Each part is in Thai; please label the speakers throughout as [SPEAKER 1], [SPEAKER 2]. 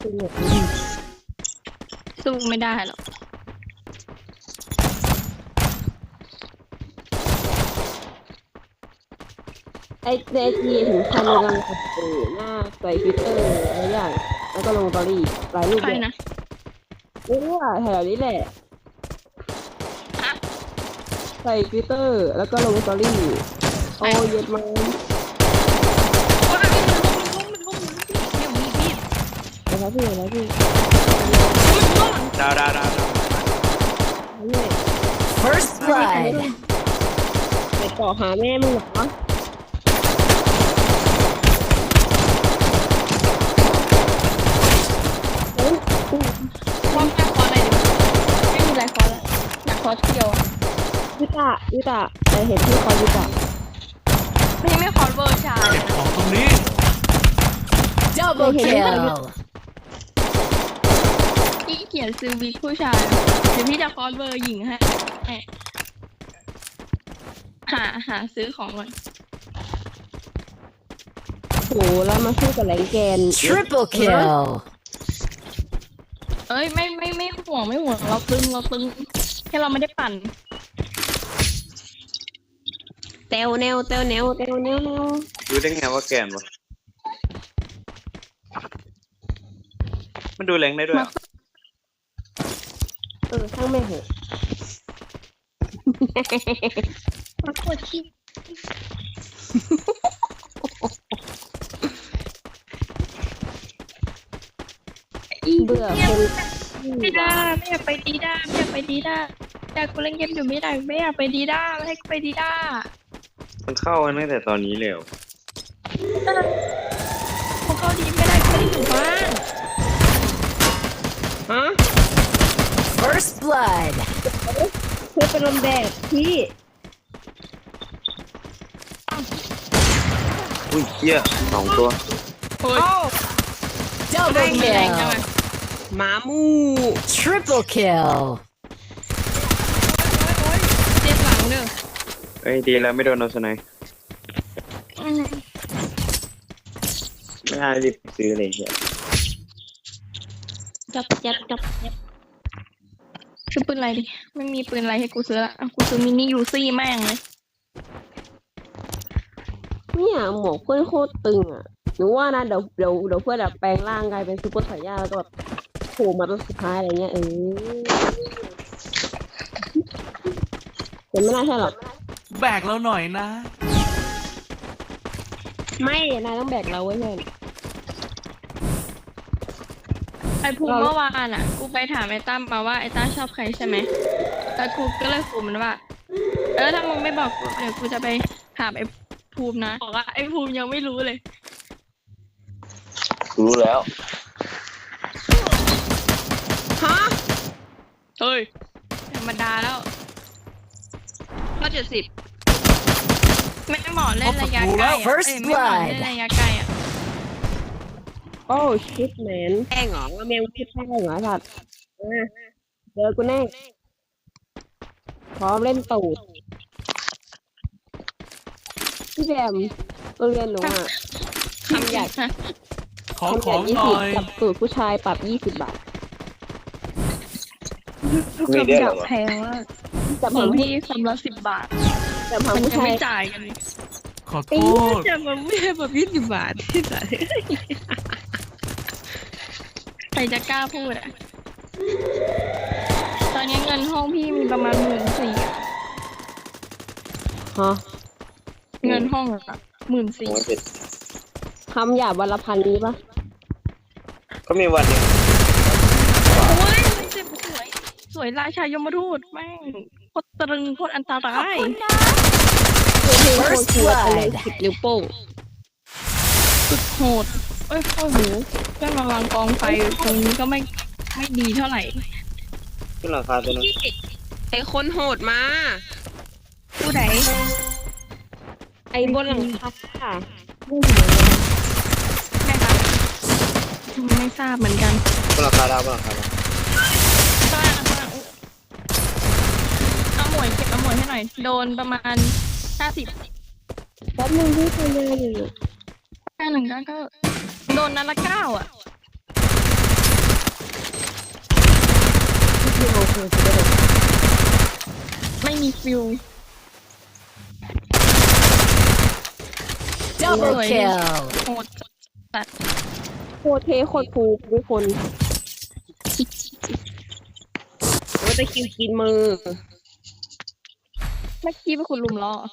[SPEAKER 1] สู้ไม่ได้หรอก
[SPEAKER 2] ไอ้เจทีถึงขั้นกำลังหน้าใส่ฟิลเตอร์อะไรอย่างแล้วก็ลงสตอรี่หลายรูป
[SPEAKER 1] ใคร
[SPEAKER 2] เลย
[SPEAKER 1] นะ
[SPEAKER 2] แถวนี้แหละใส่ฟิลเตอร์แล้วก็ลงสตอรี่โอ้เย็ดมาก
[SPEAKER 1] ว้ายมันล้มเนี่ยมีพี่
[SPEAKER 2] แล้วพี่แล้วพี่
[SPEAKER 3] ดาว
[SPEAKER 2] เนี่ย
[SPEAKER 4] First blood.
[SPEAKER 2] ไปต่อหาแม่มึงเหรอเฮ้ย
[SPEAKER 1] พร้อมจะคออะไรดิไม่มีอะไรคอแล้วอยากคอเดียวอะ
[SPEAKER 2] วิตาแต่เห็นที่คอยวิตา
[SPEAKER 1] ไม่คอเวอร์ชาย
[SPEAKER 3] เก็บของตรงนี้
[SPEAKER 4] Double kill.
[SPEAKER 1] พี่เขียนซื้อวิกผู้ชายเดี๋ยวพี่จะคอเวอร์หญิงให้หาซื้อของก่อน
[SPEAKER 2] โหแล้วมาสู้กับแรงแกน
[SPEAKER 4] Triple kill.
[SPEAKER 1] เอ้ยไม่ห่วงเราตึงแค่เราไม่ได้ปั่น
[SPEAKER 2] เตวแนว
[SPEAKER 3] รู้ได้ไงว่าแกนวะมันดูแรงได้ด้วย
[SPEAKER 2] ช่างแม่เหอะ
[SPEAKER 1] มากดขี้
[SPEAKER 2] เบื่อคน
[SPEAKER 1] ไม่ได้ไม่อยากไปดีด้าอยากกูเล่นเกมอยู่ไม่อยากไปดีด้าไม่ให้กูไปดีด้า
[SPEAKER 3] มันเข้ากันตั้งแต่ตอนนี้เลยเหรอ
[SPEAKER 1] พวกเขาดีไม่ได้กูไม่ได้อยู่บ้าน
[SPEAKER 2] ฮะ
[SPEAKER 4] First blood.
[SPEAKER 2] เพื่อเป็นลมแดดพี่
[SPEAKER 3] อุ้ยเหี้ย2 ตัว
[SPEAKER 1] โอ้ย
[SPEAKER 4] Double
[SPEAKER 1] ไม่แรงจัง
[SPEAKER 4] kill.
[SPEAKER 1] อะ
[SPEAKER 2] หมามู
[SPEAKER 4] Triple kill.
[SPEAKER 1] เจ็บหลังเด้อ
[SPEAKER 3] เอ้ยดีแล้วไม่โดนโนสไนป์ไม่น่ารีบซื้อเลยเหี้ย
[SPEAKER 1] จับซื้อปืนอะไรดิไม่มีปืนอะไรให้กูซื้อละกูซื้อมินิยูซี่แม่งเลย
[SPEAKER 2] เนี่ยหมวกเพื่อนโคตรตึงอ่ะหนูว่านะเดี๋ยวเพื่อนแบบแปลงร่างกลายเป็นซุปเปอร์ไซย่าแล้วก็แบบโผล่มาตัวสุดท้ายอะไรเงี้ยแต่ไม่น่าใช่หรอก
[SPEAKER 5] แบกเราหน่อยนะ
[SPEAKER 2] ไม่นายต้องแบกเราไว้เพื่อน
[SPEAKER 1] ไอ้ภูมิเมื่อวานอ่ะกูไปถามไอ้ตั้มมาว่าไอ้ตั้มชอบใครใช่ไหมแล้วกูก็เลยขู่มันว่าถ้ามึงไม่บอกกูเดี๋ยวกูจะไปถามไอ้ภูมินะบอกว่าไอ้ภูมิยังไม่รู้เลย
[SPEAKER 3] รู้แล้ว
[SPEAKER 2] ฮะ
[SPEAKER 1] เฮ้ยธรรมดาแล้วข้อ70ไม่เหมาะเล่นระยะไกลอ่ะ
[SPEAKER 4] First
[SPEAKER 1] ไม่เหมาะเล่นระยะไกลอ่ะ
[SPEAKER 2] โอ้ชิตแมนแป้งเหรอว่าแมวชิดแป้งเหรอสัตว์เจอกูแน่พร้อมเล่นตูดพี่แบมโรงเรียนหนูอ่ะคำหยาด
[SPEAKER 5] ขอ
[SPEAKER 2] คำห
[SPEAKER 5] ขอย
[SPEAKER 2] าด
[SPEAKER 5] งหน่อย
[SPEAKER 2] 20กับตูดผู้ชายปรับ20 บาท
[SPEAKER 3] มีได้เหรอ
[SPEAKER 1] แพงมาก
[SPEAKER 2] จับ
[SPEAKER 1] ข
[SPEAKER 2] หา
[SPEAKER 1] อง
[SPEAKER 2] ผู้
[SPEAKER 1] พี่คำละ10 บาท
[SPEAKER 2] จับหา
[SPEAKER 1] มัน
[SPEAKER 2] ผู้
[SPEAKER 1] ยัง
[SPEAKER 2] ชาย
[SPEAKER 1] ไม่จ่ายกัน
[SPEAKER 5] ขอโทษ
[SPEAKER 1] จะมาไม่ให้แบบ20 บาทที่ไหนใครจะกล้าพูดอ่ะตอนนี้เงินห้องพี่มีประมาณ14,000อ่ะ
[SPEAKER 2] ฮะ
[SPEAKER 1] เงินห้องอ่ะ14,000
[SPEAKER 2] คำหยาบวันละพันนี้ปะ
[SPEAKER 3] ก็มีวันหนึง
[SPEAKER 1] โอ้ยมันเจ็บสวยราชายมทูตแม่งโคตรตรึงโคตรอันตราย
[SPEAKER 2] เพลงโคตรเชื่อเลย10 นิ้วโป้ง
[SPEAKER 1] สุดโหดเอ้ยโอ้โหเพื่อนมาวางกองไฟตรงนี้ก็ไม่ดีเท่าไหร่
[SPEAKER 3] ขึ้นราคาตัวนึง
[SPEAKER 2] ไอคนโหดมา
[SPEAKER 1] ผู้ใด
[SPEAKER 2] ไอบนหลังคา
[SPEAKER 1] แม่คะไม่ทราบเหมือนกัน
[SPEAKER 3] ขึ้นราคาดาวขึ้นราคาดาว
[SPEAKER 1] ข้างล่างเอาหมวยเก็บเอาหมวยให้หน่อย โดนประมาณ50
[SPEAKER 2] แป๊บนึงพี่ทำงานอยู่
[SPEAKER 1] 51ก็โดนนัดละ9อ่ะไม่มีฟิว
[SPEAKER 4] Double
[SPEAKER 1] Ôi.
[SPEAKER 4] kill.
[SPEAKER 1] โหดจัด
[SPEAKER 2] โคตรเท่โคตรฟูทุกคนโอ้ยตะคริวกินมือ
[SPEAKER 1] เมื่อกี้เป็นคุณลุมล้อ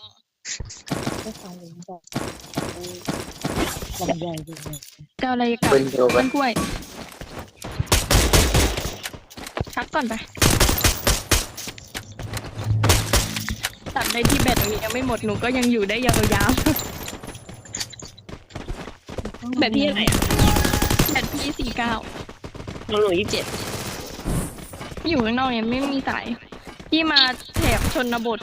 [SPEAKER 1] เกาอะไรกับ
[SPEAKER 3] เป็นเดียวกั
[SPEAKER 1] ต้
[SPEAKER 3] น
[SPEAKER 1] นกล้วยพักก่อนไปตัดได้ที่แบตนี้ยังไม่หมดหนูก็ยังอยู่ได้ยาวๆ
[SPEAKER 2] แบบพี่อะไรอ่ะ
[SPEAKER 1] แบตพี่49
[SPEAKER 2] น้องหนู27
[SPEAKER 1] อยู่ข้างนอกเนี่ยไม่มีสายพี่มาแถบชนบท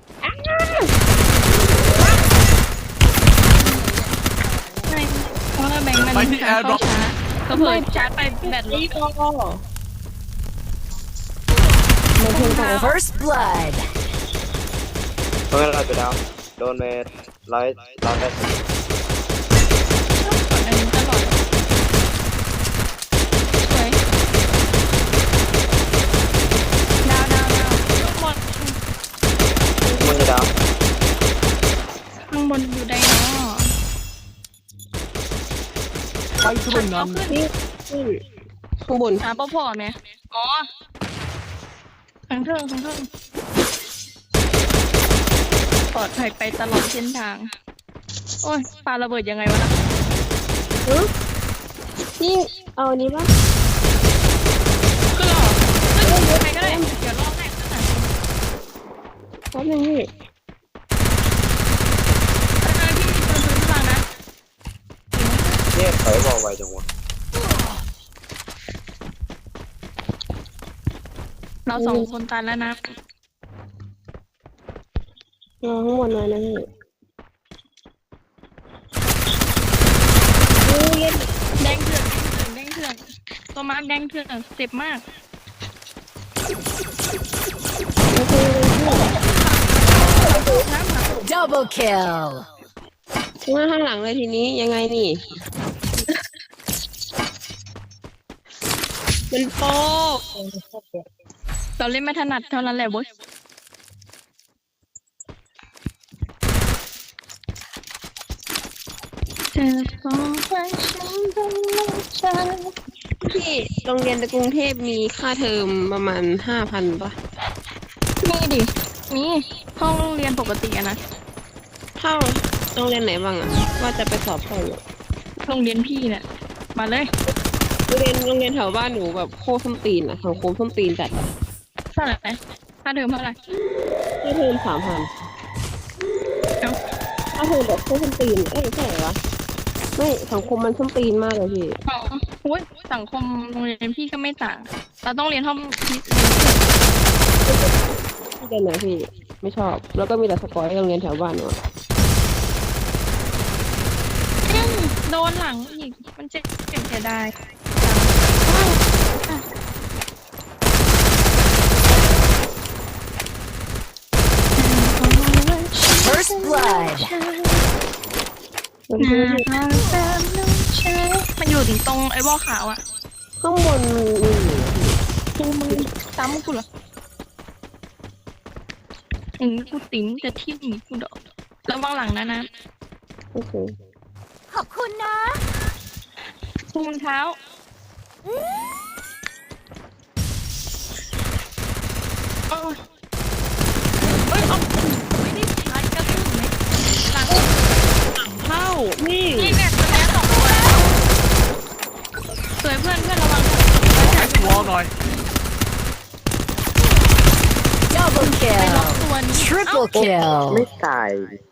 [SPEAKER 1] ไม่เพราะว่าแบงค์มัน
[SPEAKER 5] ไปที่
[SPEAKER 1] เข้า
[SPEAKER 5] airdrop
[SPEAKER 1] ช้าก็เผยชาร์จไปแบตล
[SPEAKER 2] นี่
[SPEAKER 1] ด
[SPEAKER 2] ก็ไม่เพิ่งไป
[SPEAKER 4] First blood.
[SPEAKER 3] เพราะงั้นเราจะดาวโดนไปร้อยได้
[SPEAKER 1] อันนี้ตลอดสวยดาวลูกบอล
[SPEAKER 3] มันจะดาว
[SPEAKER 1] ข้างบนอยู่ใดเนาะ
[SPEAKER 5] ไปตรงนั้น
[SPEAKER 2] นี่ข้างบน
[SPEAKER 1] หาพ่อไหมอ๋อข้างเทิงปลอดภัยไปตลอดเส้นทาง โอ้ยปาระเบิดยังไงวะนะ
[SPEAKER 2] นี่เอาอันนี้ป่ะ
[SPEAKER 1] คือหรอใครก็ได้เดี๋ยวรอบแรกก็หา
[SPEAKER 2] แป๊บนึงนี่
[SPEAKER 1] พี่ปืนฟังนะ
[SPEAKER 3] เนี่ยถอยบอกไวจังวะ
[SPEAKER 1] เราสองคนตายแล้วนะ
[SPEAKER 2] รอข้างบนหน่อยนะพี่
[SPEAKER 1] แดงเถื่อนตัวมาร์กแดงเถื่อนเจ็บมาก
[SPEAKER 4] Double kill.
[SPEAKER 2] มาข้างหลังเลยทีนี้ยังไงนี่ มันโป๊ก
[SPEAKER 1] เราเล่นไม่ถนัดเท่านั้นแหละเว้ยเธอบอกว่าฉันต้องรักเธอ
[SPEAKER 2] ที่โรงเรียนในกรุงเทพมีค่าเทอมประมาณ 5,000ป่ะ
[SPEAKER 1] มีดิมีห้องเรียนปกติอะนะ
[SPEAKER 2] เท่าโรงเรียนไหนบ้างอะว่าจะไปสอบเข้าอยู่
[SPEAKER 1] โรงเรียนพี่เนี่ยมาเลย
[SPEAKER 2] โรงเรียนแถวบ้านหนูแบบโคตรส้นตีนอะสังคมส้นตีนจัดอะ
[SPEAKER 1] เท่าไหร่ค่าเทอมเท่าไหร่
[SPEAKER 2] ค่าเทอม3,000
[SPEAKER 1] เอ้า
[SPEAKER 2] ค่าเทอมแบบโคตรส้นตีนเอ้ยใช่เหรอวะไม่สังคมมันส้นตีนมากเลยพี่
[SPEAKER 1] อ๋อโอ้ยสังคมโรงเรียนพี่ก็ไม่ต่าง เราต้องเรียนห้องพิเศษ
[SPEAKER 2] ที่เรียนไหนพี่ไม่ชอบ แล้วก็มีแต่สกอยโรงเรียนแถวบ้านหนูอะ
[SPEAKER 1] โดนหลังอีก มันเจ็บเสียดาย
[SPEAKER 4] First blood.
[SPEAKER 2] มันคือ
[SPEAKER 1] มันอยู่ถึงตรงไอ้วอลขาวอะ
[SPEAKER 2] ข้างบนมีอยู่
[SPEAKER 1] กูมึงซ้ำกูเหรออย่างนี้กูติ๋มจะทิ่มกูดอกระวังหลังนะ
[SPEAKER 2] โอเค
[SPEAKER 4] ขอบคุณนะ
[SPEAKER 1] ถุงเท้าโอ้ยเฮ้ยเอาไม่ได้ใช้กระสุนไหมหลัง
[SPEAKER 2] เข้านี่
[SPEAKER 1] นี่แบบตัวเนี้ย2 ตัวสวยเพื่อนระวัง
[SPEAKER 5] วอลหน่อย
[SPEAKER 4] Double
[SPEAKER 1] ไปล็อก
[SPEAKER 4] kill.
[SPEAKER 1] ตัวนี้
[SPEAKER 4] Triple kill.
[SPEAKER 3] ไม่ตาย